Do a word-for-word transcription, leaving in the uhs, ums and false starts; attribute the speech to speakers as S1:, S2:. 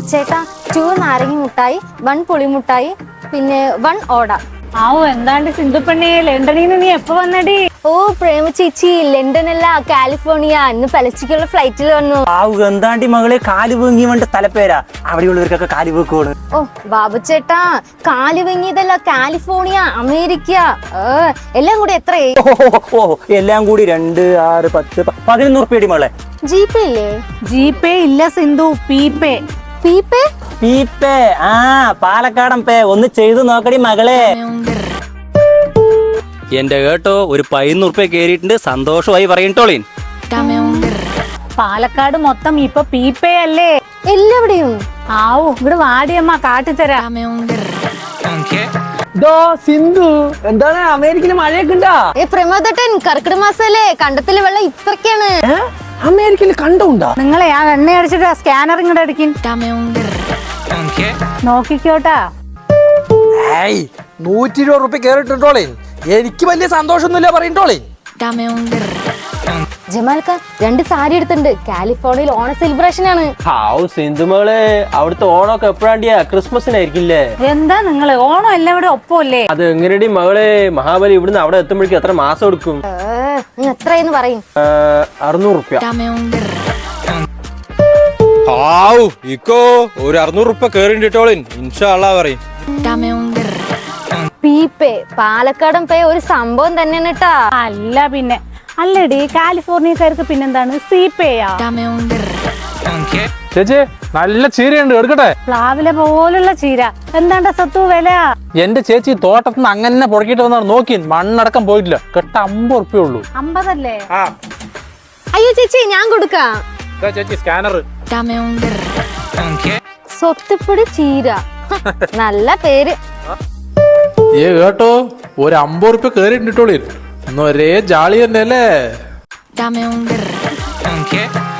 S1: ചേട്ടാ ടു നാരങ്ങ മുട്ടായി, വൺ പുളിമുട്ടായി, പിന്നെ വൺ ഓട.
S2: ആവോ എന്താണ്ട് സിന്ധുപ്പെണ്ണേ, ലണ്ടനിൽ നിന്ന് നീ എപ്പോ വന്നടി?
S1: ഓ പ്രേമ ചേച്ചി, ലണ്ടൻ അല്ല കാലിഫോർണിയ. ഇന്ന് പലച്ചയ്ക്കുള്ള ഫ്ലൈറ്റിൽ വന്നു.
S3: ആവു എന്താണ്ടി മകളെ, കാല് വീങ്ങി വേണ്ട സ്ഥലപ്പേരാ, അവിടെയുള്ളവർക്കൊക്കെ കാല് വീക്കോട്.
S1: ഓ ബാബു ചേട്ടാ, കാല് വീങ്ങിയതല്ല, കാലിഫോർണിയ, അമേരിക്ക. എല്ലാം കൂടി എത്രയായി?
S3: ഓ എല്ലാം കൂടി രണ്ട് ആറ് പത്ത് പതിനൊന്ന് ഉറുപ്പിയടി മകളെ.
S1: ജി പേ ഇല്ലേ?
S2: ജി പേ ഇല്ല Sindhu, P pay.
S1: P pay?
S3: P pay, ആ പാലക്കാടൻ പേ. ഒന്ന് ചെയ്തു നോക്കടി മകളെ. എന്റെ കേട്ടോ, ഒരു പതിനൊന്ന് ഉറുപ്പിയ കേറിയിട്ടുണ്ട്, സന്തോഷമായി പറയട്ടോളീൻ.
S2: പാലക്കാട് മൊത്തം ഇപ്പൊ പി പേ അല്ലേ
S1: എല്ലാവിടെയും?
S2: ആവു ഇവിടെ വാടിയമ്മ കാട്ടിത്തരാ.
S4: സിന്ധു എന്താണ് അമേരിക്കയില് മഴയൊക്കെ ഉണ്ടാ?
S1: ഏ പ്രമോദട്ടൻ, കർക്കിടക മാസല്ലേ, കണ്ടത്തില് വെള്ളം ഇത്രക്കാണ്.
S4: അമേരിക്കയിൽ കണ്ടുണ്ടാ?
S2: നിങ്ങളെ ആ എണ്ണ അടിച്ചിട്ട് സ്കാനർ ഇങ്ങോട്ട് അടിക്കും. നോക്കിക്കോട്ടാ.
S4: ഏയ് നൂറ്റി ഇരുപത് റുപ്യ കേറിട്ടോളേ. എനിക്ക് വലിയ സന്തോഷമൊന്നുമില്ല പറയട്ടോളേ.
S1: ജമാൽക്ക രണ്ട് സാരി എടുത്തിട്ടുണ്ട്, കാലിഫോർണിയയിൽ ഓണ സെലിബ്രേഷൻ ആണ്.
S5: ഹാവ് സിന്ധുമകളെ, അവിടുത്തെ ഓണമൊക്കെ എപ്പോഴാണ്ടിയാ? ക്രിസ്മസിനായിരിക്കില്ലേ?
S2: എന്താ നിങ്ങള് ഓണം എല്ലാം ഇവിടെ ഒപ്പല്ലേ?
S5: അത് എങ്ങനെയടി മകളെ, മഹാബലി ഇവിടുന്ന് അവിടെ എത്തുമ്പോഴേക്കും എത്ര മാസം എടുക്കും?
S1: എത്രയെന്ന് പറയും?
S5: അറുന്നൂറ് റുപ്യ.
S6: ഹാവ് ഇക്കോ, ഒരു അറുന്നൂറ് റുപ്യ കേറിട്ടോളിൻ, ഇൻഷാ അള്ളാ പറയും.
S1: പി പേ, പാലക്കാടൻ പേ ഒരു സംഭവം തന്നെയാണ് കേട്ടാ.
S2: അല്ല പിന്നെ അല്ലടി, കാലിഫോർണിയക്കാർക്ക് പിന്നെന്താണ് സി പേയാ?
S7: ചേച്ചി നല്ല ചീരയുണ്ട്, എടുക്കട്ടെ?
S2: പ്ലാവിലെ പോലുള്ള ചീര. എന്താണ്ടാ സത്തു വില?
S7: എന്റെ ചേച്ചി തോട്ടത്തിൽ നിന്ന് അങ്ങനെ പുറക്കിട്ട് വന്നാണ്, നോക്കി മണ്ണടക്കം പോയിട്ടില്ല, കെട്ട അമ്പത് ഉറുപ്പ്യ ഉള്ളൂ.
S2: അമ്പതല്ലേ?
S1: അയ്യോ ചേച്ചി, ഞാൻ കൊടുക്കാം.
S7: ചേച്ചി സ്കാനർ.
S1: സ്വത്തുപ്പൊടി ചീര, നല്ല പേര്.
S7: ഏ കേട്ടോ, ഒരു അമ്പത് ഉറുപ്പ്യ കേറിയിട്ടിട്ടോളി, ഒന്നും ഒരേ ജാളി തന്നെ അല്ലേ?